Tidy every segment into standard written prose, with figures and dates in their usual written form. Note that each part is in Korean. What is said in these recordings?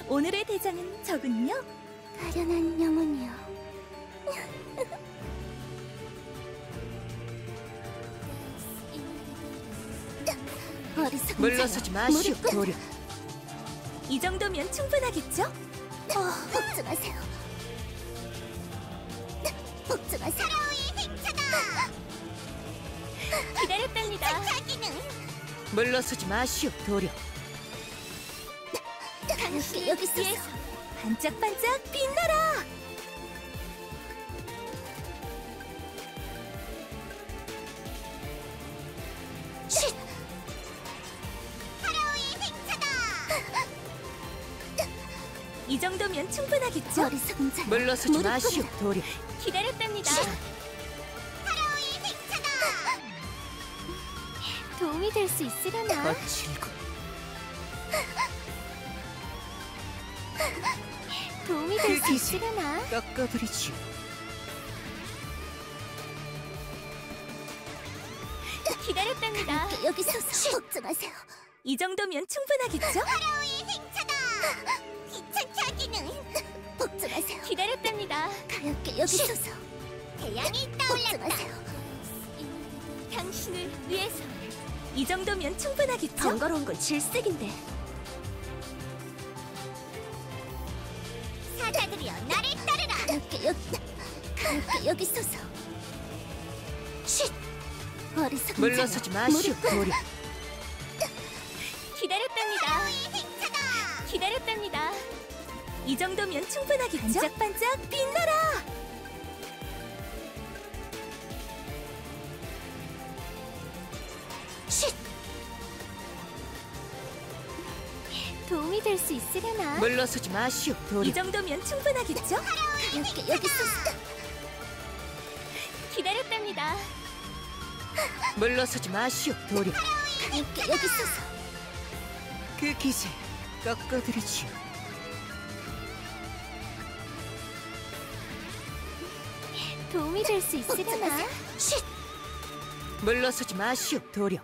오늘의 대장은 저군요. 가련한 영혼이여. 어리석은 물러서지 마시오, 도려. 이 정도면 충분하겠죠? 복종하세요. 복종하세요. 기다렸답니다. 물러서지 마시오, 도려. 가볍게 여기 있어서. 위해서 반짝반짝 빛나라. 쉿! 이 정도면 충분하겠죠? 어리석은 자여. 물러서지 무릎 마시오, 꿇으라. 도려. 기다렸답니다. 도움이 될 수 있으려나? 거칠고 도움이 될 수 그 기세. 있으려나? 꺾어드리지요. 기다렸답니다. 가볍게 여기 있어서. 복종하세요. 이 정도면 충분하겠죠? 귀찮게 하기는. 복종하세요. 기다렸답니다. 가볍게 여기 있어서. 태양이 복종하세요. 당신을 위해서. 이 정도면 충분하겠죠? 번거로운 건 질색인데. 사자들이여 나를 따르라. 가볍게 여기 있어서. 쉿! 어리석은 물러서지 자여. 마시오, 무릎 꿇으라. 도려. 기다렸답니다. 기다렸답니다. 이 정도면 충분하겠죠? 반짝반짝 빛나라. 쉿! 도움이 될 수 있으려나? 물러서지 마시오, 이 도려. 정도면 충분하겠죠? 가볍게 여기 있어서. 기다렸답니다. 물러서지 마시오, 도려. 가볍게 여기 있어서. 그 기세 꺾어드리지요. 도움이 될 수 있으려나? 쉿! 물러서지 마시오, 도려.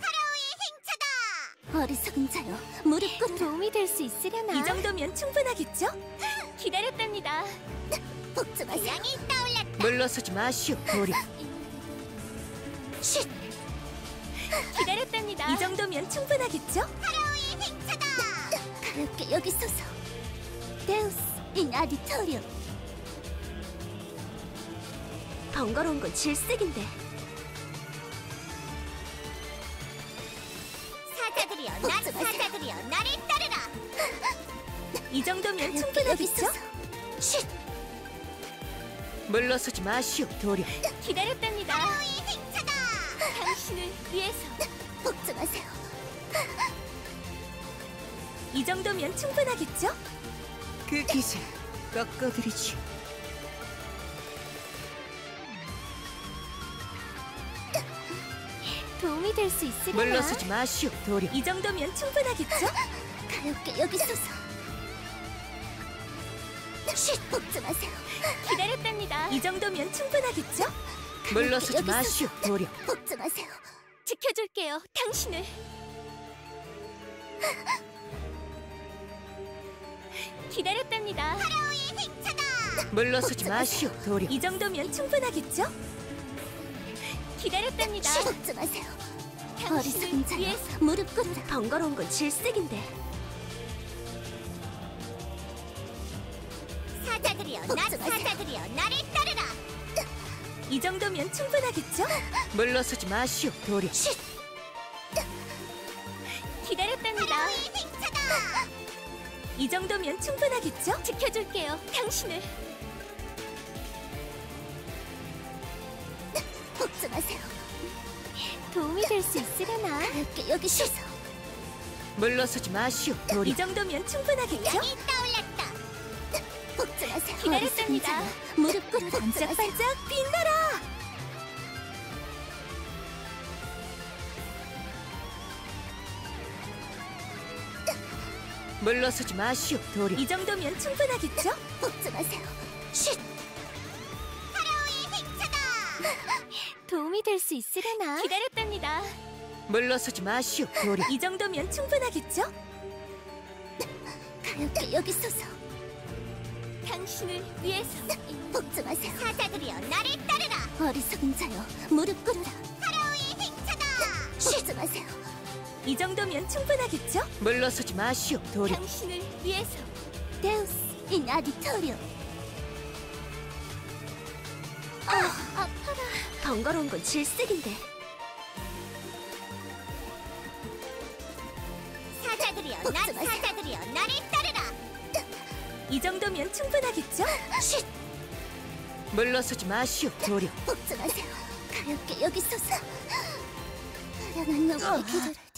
어리석은 자여. 무릎 꿇으라. 도움이 될 수 있으려나? 이 정도면 충분하겠죠? 기다렸답니다. 복종하세요. 물러서지 마시오, 도려. 쉿! 기다렸답니다. 이 정도면 충분하겠죠? 가볍게 여기 있어서. 데우스 인 아디토리움. 번거로운 건 질색인데. 사자들이여 나를 따르라. 이 정도면 가볍게 여기 충분하겠죠? 있어서. 쉿! 물러서지 마시오, 도려. 기다렸답니다. 당신을 위해서. 복종하세요. 이 정도면 충분하겠죠? 그 기세 꺾어드리지요. 도움이 될 수 있으려나? 물러서지 마시오, 도려. 이 정도면 충분하겠죠? 가볍게 여기 있어서. 쉿! 복종하세요. 기다렸답니다. 이 정도면 충분하겠죠? 물러서지 여기 마시오, 도려. 복종하세요. 지켜줄게요, 당신을. 기다렸답니다. 물러서지 마시오, 도려. 이 정도면 충분하겠죠? 기다렸답니다. 쉿! 복종하세요. 어리석은 당신을 자여. 위해서. 무릎 꿇으라. 번거로운 건 질색인데. 사자들이여 복종하세요. 나를 따르라. 이 정도면 충분하겠죠? 물러서지 마시오, 도려. 쉿! 기다렸답니다. 이 정도면 충분하겠죠? 지켜줄게요, 당신을. 복종하세요. 도움이 될 수 있으려나? 가볍게 여기 있어서. 물러서지 마시오, 도려. 이 정도면 충분하겠죠? 복종하세요. 기다렸답니다. 어리석은 자여. 무릎 꿇으라. 반짝반짝 빛나라. 물러서지 마시오, 도려. 이 정도면 충분하겠죠? 복종하세요. 쉿! 도움이 될 수 있으려나? 기다렸답니다. 물러서지 마시오, 도려. 이 정도면 충분하겠죠? 가볍게 여기 서서 당신을 위해서. 복종하세요. 사자들이여 나를 따르라. 어리석은 자여, 무릎 꿇으라. 파라오의 행차다. 복종하세요. 이 정도면 충분하겠죠? 물러서지 마시오, 도리. 당신을 위해서. 데우스 인 아디토리오. 아파라. 번거로운 건 질색인데. 사자들이여 복종하세요. 사자들이여 나를 따르라. 이 정도면 충분하겠죠? 쉿! 물러서지 마시오, 도리. 복종하세요. 가볍게 여기 서서. 아련한 놈의 기도를